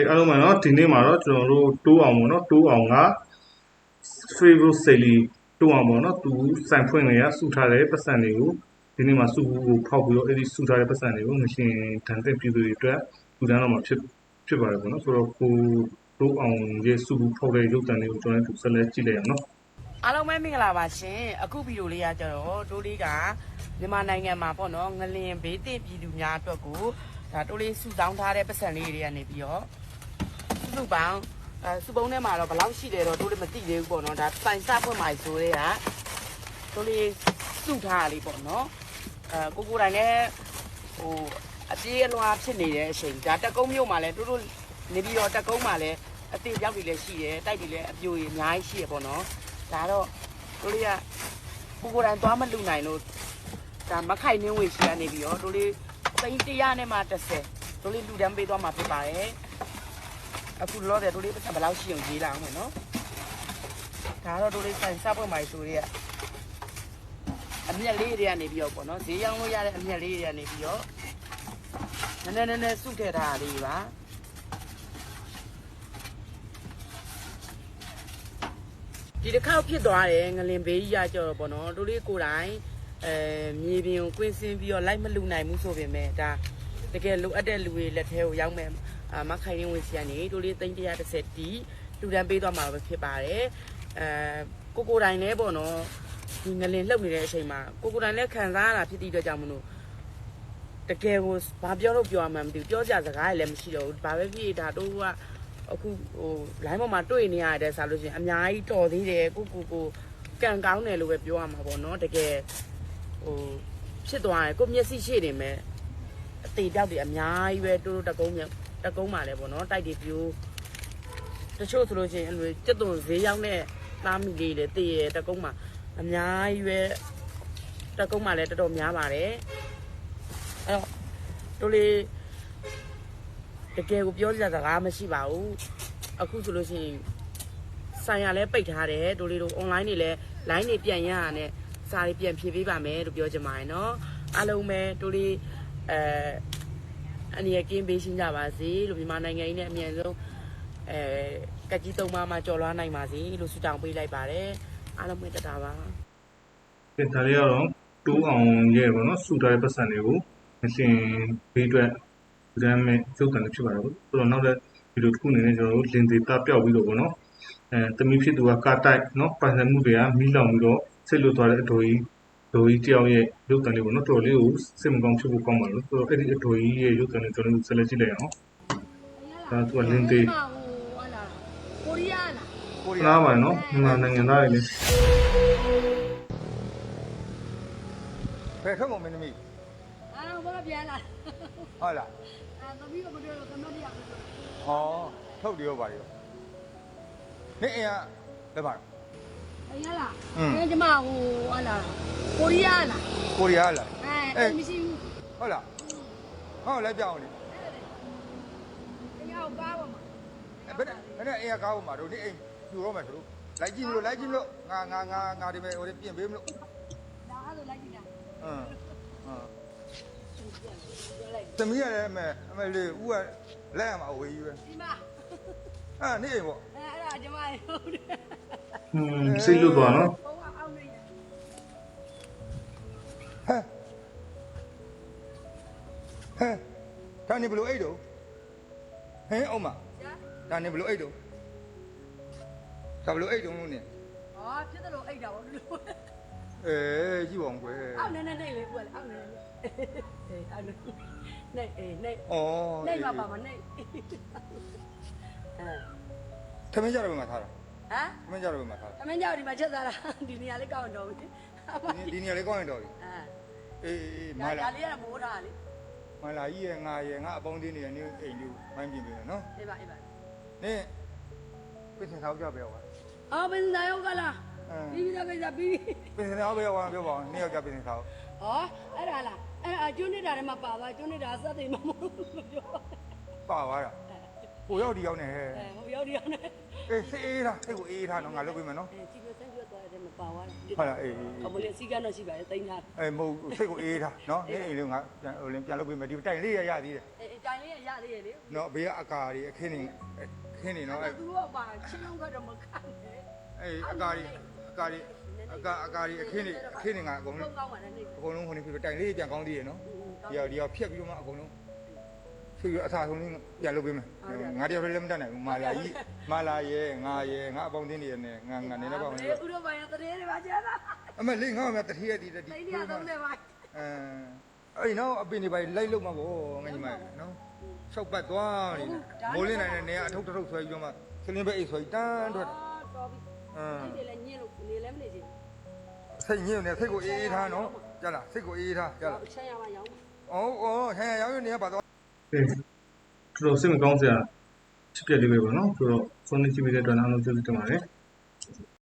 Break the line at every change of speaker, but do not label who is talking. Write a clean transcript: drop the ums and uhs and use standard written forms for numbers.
အားလုံးပါနော်ဒီနေ့မှာတော့ကျွန်တော်တို့တိုးအောင်ပေါ့နော်တိုးအောင်က favorite sale တိုးအောင်ပေါ့နော်သူစိုင်ဖွင့်နေရစုထားတဲ့ပတ်စံတွေကိုဒီနေ့မှာစုကိုဖောက်ပြီးတော့အဲ့ဒီစုထားတဲ့ပတ်စံတွေကိုမရှင်တန်တဲ့ပြည်သူတွေအတွက်လူတန်းတော့မှာဖြစ်ပါတယ်ပေါ့နော်ဆိုတော့ကိုတိုးအောင်ရဲ့စုဖောက်တဲ့ရုပ်တံတွေကိုကျွန်တော်တို့ဆက်လက်ကြည့်လိုက်အောင်နော်
အားလုံးပဲမင်္ဂလာပါရှင်အခုဗီဒီယိုလေးကကျတော့တိုးလေးကမြန်မာနိုင်ငံမှာပေါ့နော်ငလင်ဘေးသင့်ပြည်သူများအတွက်ကိုဒါတိုးလေးစုဆောင်းထားတဲ့ပတ်စံလေးတွေကနေပြီးတော့စုပေါင်းစုပုံးထဲမှာတော့ဘယ်လောက်ရှိတယ်တော့တိုးလေးမသိသေးဘူးပေါ့နော်ဒါစိုင်စဖွင့်မှဆိုတဲ့ကတိုးလေးစုထားလေးပေါ့နော်ကိုတိုင်းလည်းဟိုအပြေးအလွှာဖြစ်နေတဲ့အချိန်ဒါတက်ကုန်းမြို့မှာလည်းတိုးနေပြီးတော့တက်ကုန်းမှာလည်းအသေးပြောက်တွေလည်းရှိတယ်တိုက်တွေလည်းအပြိုကြီးအများကြီးရှိရပေါ့နော်ဒါတော့တို့လေးကကိုတိုင်းသွားမလူနိုင်လို့ဒါမခိုင်နှင်းဝေရှိကနေပြီးတော့တို့လေး300နဲ့မှ30တို့လေးလူတန်းပေးသွားမှာဖြစ်ပါတယ်အခုလောတယ်တို့လေးပတ်စံဘယ်လောက်ရှိအောင်ရေးလာအောင်မယ်နော်ဒါတော့တို့လေးဆိုင်စပွင့်မိုင်ဆိုရဲအမြက်လေးတွေကနေပြီးတော့ပေါ့နော်ဈေးရောင်းလို့ရတဲ့အမြက်လေးတွေကနေပြီးတော့နည်းနည်းစုထည့်ထားတာလေးပါဒီတစ်ခေါက်ဖြစ်သွားတယ်ငလင်ဘေးကြီးရကြော်ပေါ့နော်တို့လေးကိုယ်တိုင်မြေပြင်ကိုကွင်းစင်းပြီးတော့လိုက်မလူနိုင်ဘူးဆိုပေမဲ့ဒါတကယ်လိုအပ်တဲ့လူတွေလက်ထဲကိုရောက်မယ်မခိုင်ရင်းဝင်စီကနေတို့လေး330တီလူတန်းပေးသွားမှာပဲဖြစ်ပါတယ်ကိုယ်တိုင်လည်းပေါ့နော်ဒီငလင်လှုပ်နေတဲ့အချိန်မှာကိုယ်တိုင်လည်းခံစားရတာဖြစ်တဲ့အတွက်ကြောင့်မလို့တကယ်ကိုဘာပြောလို့ပြောရမှန်းမသိဘူးပြောစရာစကားလည်းမရှိတော့ဘူးဘာပဲဖြစ်ဒါတို့ကအခုဟို line ပေါ်မှာတွေ့နေရတဲ့ဆိုလို့ရှိရင်အများကြီးတော်သေးတယ်ကိုကန်ကောင်းတယ်လို့ပဲပြောရမှာပေါ့နော်တကယ်ဟိုဖြစ်သွားတယ်ကိုမျက်စိရှိနေမယ်အသေးတောက်တွေအများကြီးပဲတိုးတကုန်းမှာလဲပေါ့နော်တိုက်တွေပြိုးတချို့ဆိုလို့ရှိရင်အဲ့လိုစက်သွန်ဈေးရောက်တဲ့သားမိလေးတွေတည်ရတကုန်းမှာအများကြီးပဲတကုန်းမှာလဲတော်တော်များပါတယ်အဲ့တော့တို့လေးတကယ်ကိုပြောစရာစကားမရှိပါဘူးအခုဆိုလို့ရှိရင်ဆိုင်ရလဲပိတ်ထားတယ်တို့လေးတို့ online တွေလဲ line တွေပြန်ရရနဲ့စာတွေပြန်ဖြည့်ပေးပါမယ်လို့ပြောချင်ပါတယ်เนาะအားလုံးပဲတို့လေးအနေနဲ့ကင်းပေးရှင်းကြပါစေလို့မြန်မာနိုင်ငံကြီးနဲ့အမြန်ဆုံးကကြီး3ပါးမှာကြော်လွှားနိုင်ပါစေလို့ဆုတောင်းပေးလိုက်ပါတယ်အားလုံးပဲတတာပါ
ဒီဒါလေးကတော့တိုးအောင်ရဲ့ပေါ့နော်စုထားတဲ့ပတ်စံတွေကိုမရှင်ဘေးအတွက်ဒမ်းမဲ့ရုပ်တံတွေဖြစ်ပါတယ်ပေါ့ဆိုတော့နောက်တဲ့ဗီဒီယိုတစ်ခုအနေနဲ့ကျွန်တော်တို့လင်သေးတာပျောက်ပြီးတော့ပေါ့နော်တမီးဖြစ်သူကကာတိုက်နော်ပိုင်ဆိုင်မှုတွေကမီးလောင်ပြီးတော့ဆိတ်လွတ်သွားတဲ့အတော်ကြီးတယောက်ရဲ့ရုပ်တံလေးပေါ့နော်တော်လေးကိုစိတ်မကောင်းဖြစ်ဖို့ကောင်းပါလို့ဆိုတော့အဲ့ဒီအတော်ကြီးရဲ့ရုပ်တံလေးကျွန်တော်တို့ဆက်လက်ကြည့်လိုက်အောင်ဒါသူကလင်သေး
ကိုရီးယား
လားပါနော်မြန်မာနိုင်ငံသားတွေလည်း
ဘယ်ထွက်ကုန်မင်းသမီး
ဘာပြန်လာ
ဟုတ်လား
သမီးကမပြောတော့သမက်တရားပြော
ဟောထုတ်တယ်ရောပါရောနေအိမ်ကလက်ပါ
အိမ်ရလားကျမဟိုဟာလားကိုရီးယားလား
ကိုရီးယားလား
မရှိဘူး
ဟုတ်လားဟောလိုက်ပြအောင်လေ
အိမ်ရောက်ကားပါမှာ
ဘယ်နဲ့အိမ်ကကားပါမှာတို့နေအိမ်ပြူတော့မယ်တို့လိုက်ကြည့်မလို့ငါဒီမဲ့ဟိုပြင်ပေးမလို့
ဒါအဲ့လိုလိုက်ကြည့်တာ
သမီးရလည်းအမေလေးဦးကလက်ရမှာအဝေးကြီးပဲ
ဒီမှာ
နေအိမ်ပေါ့
အဲ့ဒါကျမဟုတ်တယ်
စိတ်လွတ်သွားနော်
ဘုံကအောက်နေတယ်
ဒါနေဘလို့အိတ်တော့ဟင်းအောင်မဒါနေဘလို့အိတ်တော့ဒါဘလို့အိတ်တော့လို့နေ
ဖြစ်တယ်လို့အိတ်တာပေါ့လို့
ကြည့်ပါအောင်ကွယ်
အောက်နေလေးဦးကလေအောက်နေအောက်နေနေ
ဩ
နေမှာပါမနေ
ထမင်းကြတော့ဘယ်မှာထားတာထမင်းကြတော့ဘယ်မှာထားတာ
ထမင်းကြတော့ဒီမှာချက်စားတာဒီနေရာလေးကောင်းတော့ပြီ
ဒီနေရာလေးကောင်းရင်တော့ပြီအေး
မာလာလေးကမိုးထားလေ
မာလာကြီးရဲ့ငါအပေါင်းသေးနေနေအိမ်လေးမိုင်းပြင်ပေးမယ်နော်
အေးပါနင်း
ပြင်စင်ထားကြပဲကွာ
ပင်စင်ထားရောကလားပြီးတော့ကိစ္စပြီး
ပင်စင်ထားပဲကွာပြောပါဦးနေ့ယောက်ကြပင်စင်ထား
အဲ့ဒါလားကျွန်းနေတာထဲမှာပါသွားကျွန်းနေတာစက်တွေမမို့ပြော
ပါသွားတာကိုရောက်ဒီရောက်နေဟဲ့
ဟိုရောက်ဒီရောက်နေ
အေးစိတ်အေးထားစိတ်ကိုအေးထားနော်ငါလုပ်ပေးမယ်နော်
ကြည့်ပြဆန်းပြသွားတယ်မပါသွား
ဟုတ်လားအေး
အမလေးစီကတော့ရှိပါတယ်တင်ထား
အေးမဟုတ်စိတ်ကိုအေးထားနော်နေအိမ်လေးငါဟိုလင်းပြန်လုပ်ပေးမယ်ဒီတိုင်လေးရသေးတယ်
တိုင်လေးရသေးရဲ့လေ
နော်ဘေးကအကာတွေအခင်းနေနော်
သူတို့ကပါချင်းလုံးကတော့မခံနဲ့
အေးအကာတွေအခင်းနေငါအကုန်လုံး
ကောင်းပါနဲ့နေ
အကုန်လုံးဟိုနေပြီတိုင်လေးပြန်ကောင်းသေးရနော်ဒီရောက်ဖြတ်ပြီးတော့မှအကုန်လုံးဖြည့်ရအသာဆုံးလေးပြန်လုပ်ပေးမယ်ငါတယောက်လည်းမတတ်နိုင်ဘူးမာလာရဲငါအပေါင်းတင်းတွေနဲ့ငါနေတော့ပါမယ်
ဥရောပရတဲ့တွေပါကျန်တာ
အမေလေးငါ့မှာတတိယဒီ
တိတ်ရတော့လည်းပါ
အဲ့နော်အပင်တွေပါလိုက်လို့မှာပေါ့ငါညီမနော်၆ပတ်သွားနေမိုးလင်းနိုင်တဲ့နေရာအထုပ်ထုပ်ဆွဲပြီးတော့မှဆလင်းပဲအိတ်ဆွဲတန်းထွက်
တော်ပြီဒီလည်းညင်းလို့နေလည်းမနေချင်
စိတ်ညစ်နေစိတ်ကိုအေးထားနော်ကြားလားစိတ်ကိုအေးထားကြားလား
ဘူးချက်ရမှရောင်း
ဟဲ့ရောင်းနေရပါတော့
ကဲတော်တော်စိတ်မကောင်းစရာဖြစ်ပြလေးပဲပေါ့နော်ဆိုတော့ဆုံးနေကြည့်ပြီးတဲ့အတွက်အားလုံးကျေးဇူးတင်ပါတယ်